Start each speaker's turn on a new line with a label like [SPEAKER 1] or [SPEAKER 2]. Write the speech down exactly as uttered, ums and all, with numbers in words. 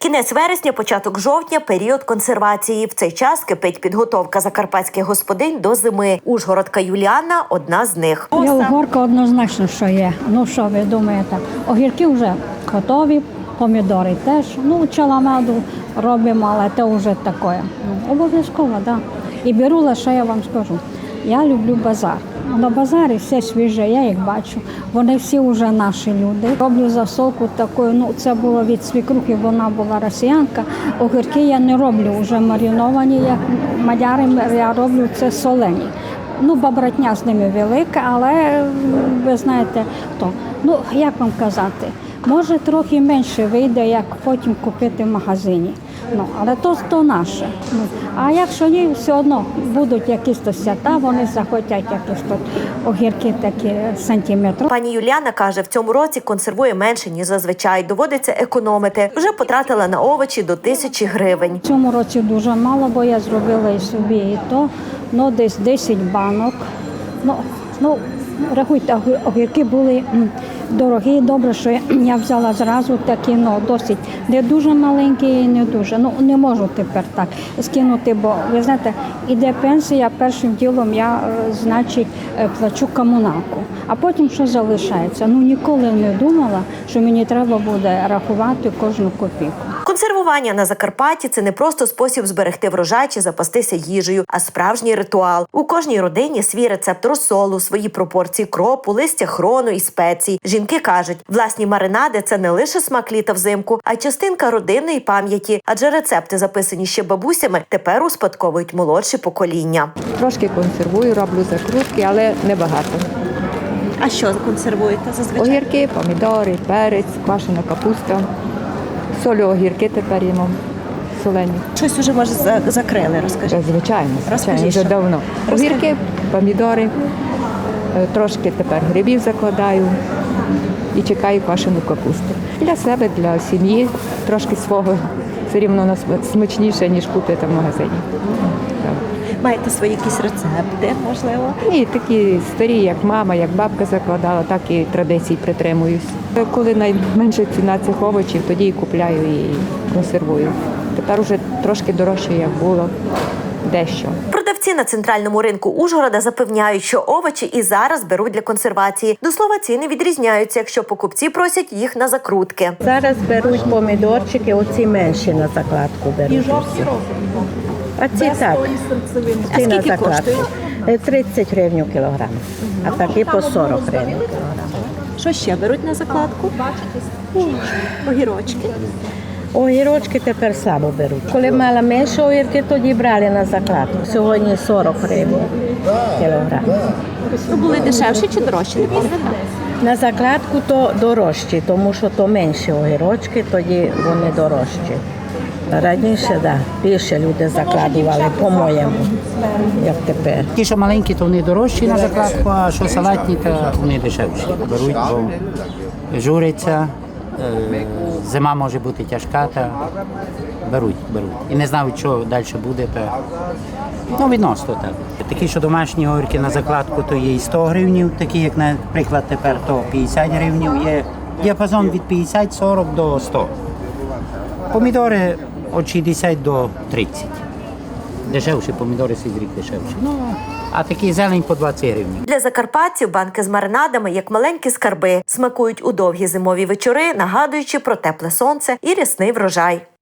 [SPEAKER 1] Кінець вересня, початок жовтня – період консервації. В цей час кипить підготовка закарпатських господинь до зими. Ужгородка Юліана – одна з них.
[SPEAKER 2] Я угорка однозначно, що є. Ну що ви думаєте? Огірки вже готові, помідори теж. Ну, чаламаду робимо, але це вже таке. Ну, обов'язково, так. Да. І беру лише, я вам скажу, я люблю базар. На базарі все свіже, я їх бачу. Вони всі вже наші люди. Роблю засолку таку, ну це було від свекрухи, вона була росіянка. Огірки я не роблю вже мариновані, як мадяри, я роблю це солені. Ну, бабратня з ними велика, але ви знаєте, то. Ну, як вам казати, може трохи менше вийде, як потім купити в магазині. Ну, але то, то наше. Ну, а якщо ні, все одно будуть якісь то свята, вони захотять якісь тут огірки такі сантиметри.
[SPEAKER 1] Пані Юліана каже, в цьому році консервує менше, ніж зазвичай. Доводиться економити. Вже потратила на овочі до тисячі гривень.
[SPEAKER 2] В цьому році дуже мало, бо я зробила і собі, і то. Ну, десь десять банок. Ну, ну, рахуйте, огірки були дорогі, добре, що я взяла зразу такі, ну, досить не дуже маленькі і не дуже. Ну, не можу тепер так скинути, бо, ви знаєте, іде пенсія, першим ділом я, значить, плачу комуналку, а потім що залишається. Ну, ніколи не думала, що мені треба буде рахувати кожну копійку.
[SPEAKER 1] Консервування на Закарпатті – це не просто спосіб зберегти врожай чи запастися їжею, а справжній ритуал. У кожній родині свій рецепт розсолу, свої пропорції кропу, листя хрону і спецій. Жінки кажуть, власні маринади – це не лише смак літа взимку, а й частинка родинної пам'яті. Адже рецепти, записані ще бабусями, тепер успадковують молодші покоління.
[SPEAKER 3] Трошки консервую, роблю закрутки, але небагато.
[SPEAKER 1] А що консервуєте зазвичай?
[SPEAKER 3] Огірки, помідори, перець, квашена капуста. Солю огірки тепер їмо солені.
[SPEAKER 1] Щось уже, може, закрили, розкажіть.
[SPEAKER 3] Звичайно, звичайно, вже
[SPEAKER 1] що?
[SPEAKER 3] давно. Огірки, помідори, трошки тепер грибів закладаю і чекаю квашену капусту. Для себе, для сім'ї, трошки свого все рівно смачніше, ніж купити в магазині.
[SPEAKER 1] Маєте свої якісь рецепти, можливо?
[SPEAKER 3] Ні, такі старі, як мама, як бабка закладала, так і традицій притримуюсь. Коли найменша ціна цих овочів, тоді і купляю і консервую. Тепер уже трошки дорожче, як було, дещо.
[SPEAKER 1] Продавці на центральному ринку Ужгорода запевняють, що овочі і зараз беруть для консервації. До слова, ціни відрізняються, якщо покупці просять їх на закрутки.
[SPEAKER 4] Зараз беруть помідорчики, оці менші на закладку беруть. І жовті А ці так, ці на закладку. тридцять гривень кілограм, а такі по сорок гривень кілограм.
[SPEAKER 1] Що ще беруть на закладку? Огірочки.
[SPEAKER 4] Огірочки тепер слабо беруть. Коли мала менше огірки, тоді брали на закладку. Сьогодні сорок гривень кілограм.
[SPEAKER 1] Ну, були дешевші чи дорожчі? Не пам'ятаю.
[SPEAKER 4] На закладку то дорожчі, тому що то менші огірочки, тоді вони дорожчі. Раніше, да, більше люди закладували, по-моєму, як тепер.
[SPEAKER 5] Ті, що маленькі, то вони дорожчі на закладку, а що салатні, то вони дешевші. Беруть, бо журяться, зима може бути тяжка, та беруть, беруть. І не знають, що далі буде, то ну, відносно так. Такі, що домашні огірки на закладку, то є і сто гривень, такі, як, наприклад, тепер, то п'ятдесят гривень, є діапазон від п'ятдесят сорок до ста. Помідори від шістдесят до тридцять. Дешевші помідори сізрік дешевші. Ну, а такі зелень по двадцять гривень.
[SPEAKER 1] Для закарпатців банки з маринадами, як маленькі скарби, смакують у довгі зимові вечори, нагадуючи про тепле сонце і рясний врожай.